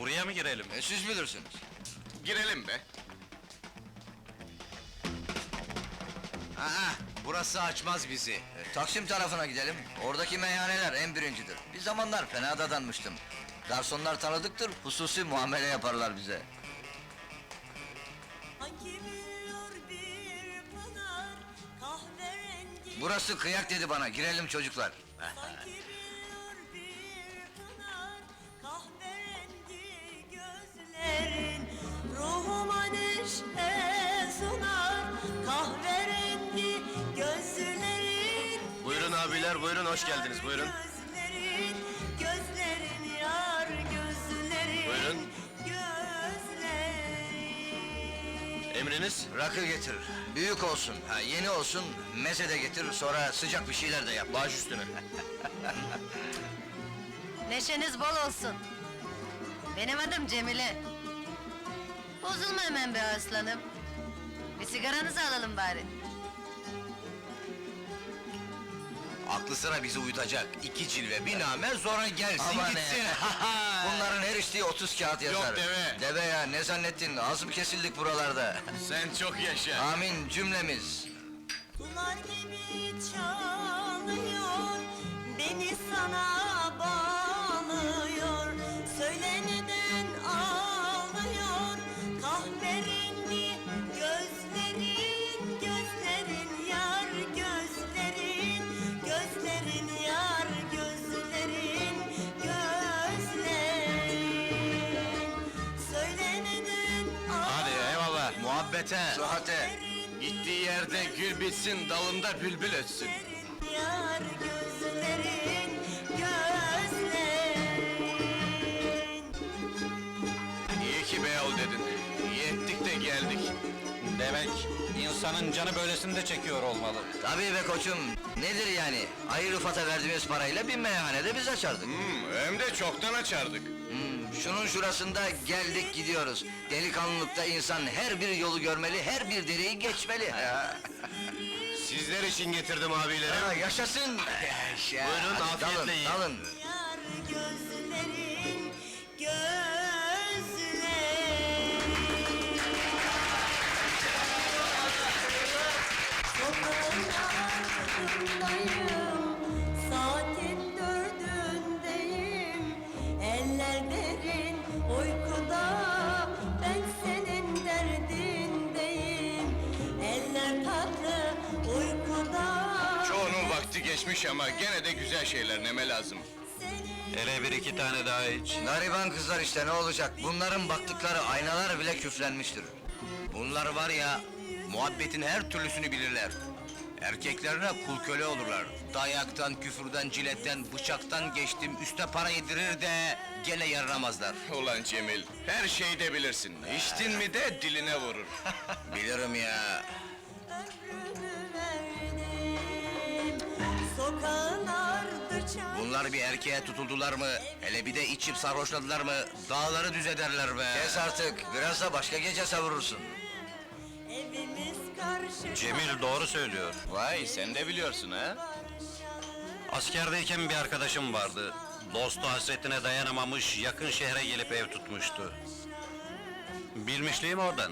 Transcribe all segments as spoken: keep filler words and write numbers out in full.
buraya mı girelim? E, siz bilirsiniz. Girelim be. Aa, burası açmaz bizi. E, Taksim tarafına gidelim. Oradaki meyhaneler en birincidir. Bir zamanlar fena dadanmıştım. Garsonlar tanıdıktır, hususi muamele yaparlar bize. Sanki biliyor bir pınar kahverengi. Burası kıyak dedi bana, girelim çocuklar. Sanki biliyor bir pınar kahverengi gözlerin. Ruhuma neşe sunar kahverengi gözlerin. Buyurun abiler, buyurun, hoş geldiniz, buyurun. Gözlerin, gözlerin yar gözlerin. Buyurun. Gözlerin. Emriniz? Rakı getir, büyük olsun, ha, yeni olsun, meze de getir, sonra sıcak bir şeyler de yap. Baş üstüne. Neşeniz bol olsun. Benim adım Cemile. Bozulma hemen be aslanım. Bir sigaranızı alalım bari. Aklı sıra bizi uyutacak, iki cilve, bir name, sonra gelsin Aman gitsin. Bunların her içtiği otuz kağıt yazar. Yok deve. Deve ya, ne zannettin, az mı kesildik buralarda? Sen çok yaşa. Amin cümlemiz. Sular gibi çalıyor, beni sana bağlıyor. Söyle neden ağlıyor, kahverengi gözlerin, gözlerin yar gözlerin, gözlerin yar gözlerin, gözlerin. Söyle neden Hadi eyvallah. Muhabbete, sıhhate. Gittiği yerde gül bitsin, dalında bülbül ötsün. Yar gözlerin, gözlerin. İyi ki Beyoğlu dedin. İyi ettik de geldik. Demek insanın canı böylesini de çekiyor olmalı. Tabii be koçum, nedir yani? Ayı Rıfat'a verdiğimiz parayla bir meyhanede biz açardık. Hmm, hem de çoktan açardık. Hmm, şunun şurasında geldik gidiyoruz. Delikanlılıkta insan her bir yolu görmeli, her bir dereyi geçmeli. Ha, Sizler için getirdim abilerim. ha, yaşasın! Yaşa! Buyurun, Hadi afiyetle dalın, yiyin. dalın. Yar gözlerin, gözlerin. Sokağın ardındayım, saatin dördündeyim. Eller derin uykuda, ben senin derdindeyim. Eller tatlı uykuda. Çoğunun vakti geçmiş ama gene de güzel şeyler neme lazım. Hele bir iki tane daha iç. Gariban kızlar işte ne olacak? Bunların baktıkları aynalar bile küflenmiştir. Bunlar var ya, muhabbetin her türlüsünü bilirler. Erkeklerine kul köle olurlar. Dayaktan, küfürden, ciletten, bıçaktan geçtim, üste para yedirir de gene yaranamazlar. Ulan Cemil, her şeyi de bilirsin. İçtin mi de diline vurur. Bilirim ya. Ömrümü verdim, sokağın ardı çay. Bunlar bir erkeğe tutuldular mı, hele bir de içip sarhoşladılar mı, dağları düz ederler be! Kes artık, biraz da başka gece savurursun. Evimiz karşı Cemil doğru söylüyor. Vay, sen de biliyorsun ha? Askerdeyken bir arkadaşım vardı. Dostu hasretine dayanamamış, yakın şehre gelip ev tutmuştu. Bilmişliğim oradan.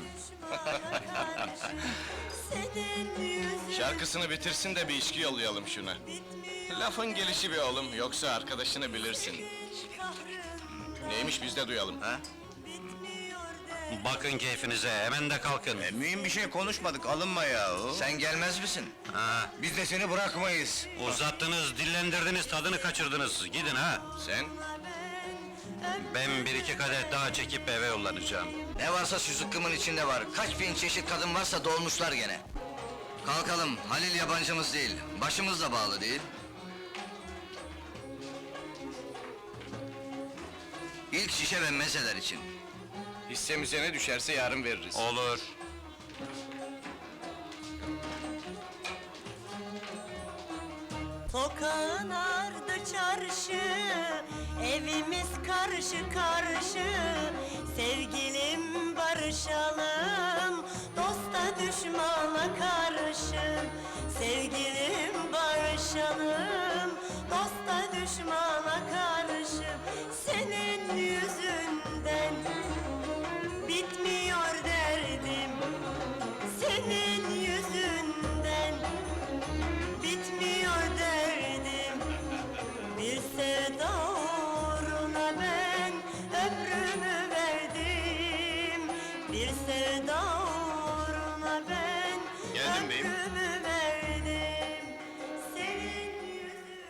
Senin yüzün Şarkısını bitirsin de bir içki yollayalım şuna. bitmiyor, Lafın gelişi bir oğlum, yoksa arkadaşını bilirsin. kahrım Neymiş biz de duyalım. Ha? bitmiyor de. Bakın keyfinize, hemen de kalkın. E, mühim bir şey konuşmadık, alınma ya. Sen gelmez misin? Ha, Biz de seni bırakmayız. uzattınız, dillendirdiniz, tadını kaçırdınız. Gidin ha! Sen? Ben bir iki kadeh daha çekip eve yollanacağım. Ne varsa şu zıkkımın içinde var. Kaç bin çeşit kadın varsa dolmuşlar gene. Kalkalım, Halil yabancımız değil. Başımız da bağlı değil. İlk şişe ve mezeler için. Hissemize ne düşerse yarın veririz. Olur. Sokağın ardı çarşı, evimiz karşı karşı. Sevgilim barışalım, dosta düşmana karşı. Sevgilim barışalım, dosta düşmana karşı. Senin yüzünden senin yüzünden bitmiyor derdim. Bir sevda uğruna ben ömrümü verdim. Bir sevda uğruna ben Geldim beyim. ömrümü verdim. Senin yüzünden.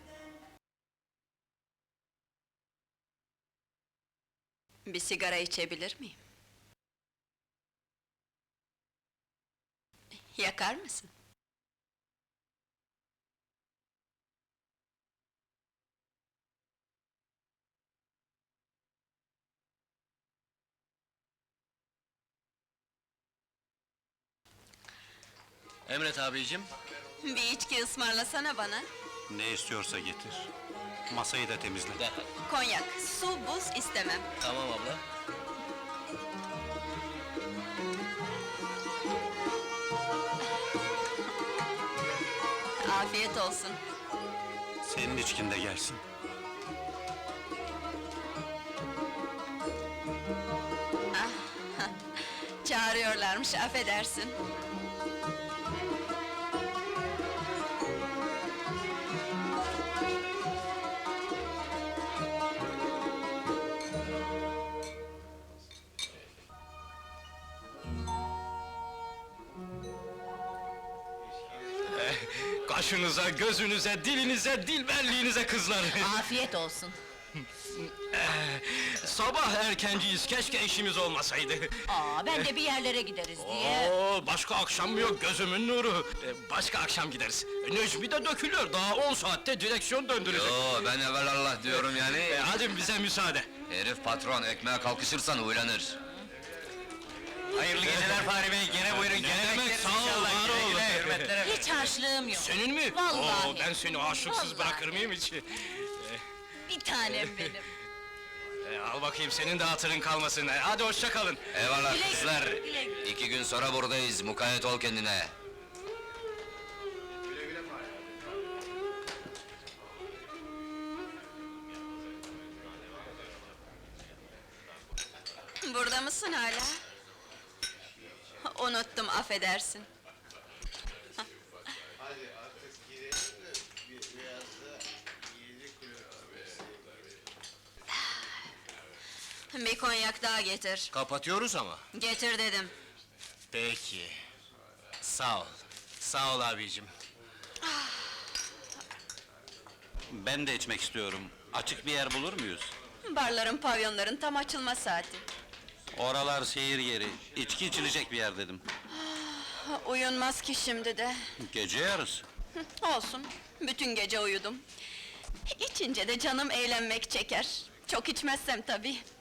Bir sigara içebilir miyim? Yakar mısın? Emret abicim. Bir içki ısmarlasana bana. Ne istiyorsa getir. Masayı da temizle. Derhal. Konyak, su, buz istemem. Tamam abla. Afiyet olsun. Senin içkin de gelsin. Çağırıyorlarmış, affedersin. Kaşınıza, gözünüze, dilinize, dilberliğinize kızlar! Afiyet olsun. Sabah erkenciyiz, keşke işimiz olmasaydı. Aa, ben de bir yerlere gideriz diye. Oo, başka akşam mı yok, gözümün nuru! Ee, Başka akşam gideriz. Necmi de dökülüyor, daha on saatte direksiyon döndürecek. Yo, ben evvelallah diyorum yani. Ee, hadi bize müsaade. Herif patron, ekmeğe kalkışırsan uylanır. Hayırlı geceler Fahri Bey, gene buyurun, gene demek, sağ ol, var ol. Hiç harçlığım yok. Senin mi? Vallahi. Oo, ben seni aşıksız Vallahi. bırakır mıyım hiç? Bir tanem benim. Ee, al bakayım, senin de hatırın kalmasın. Ee, Hadi hoşça kalın. Eyvallah Güle güle, kızlar. güle güle. İki gün sonra buradayız, mukayyet ol kendine. Burada mısın hala? Unuttum, affedersin. Bir konyak daha getir. Kapatıyoruz ama. Getir dedim. Peki. Sağ ol. Sağ ol abicim. Ben de içmek istiyorum. Açık bir yer bulur muyuz? Barların, pavyonların tam açılma saati. Oralar seyir yeri. İçki içilecek bir yer dedim. Uyunmaz ki şimdi de. Gece yarısı. Hı, olsun, bütün gece uyudum. İçince de canım eğlenmek çeker. Çok içmezsem tabii.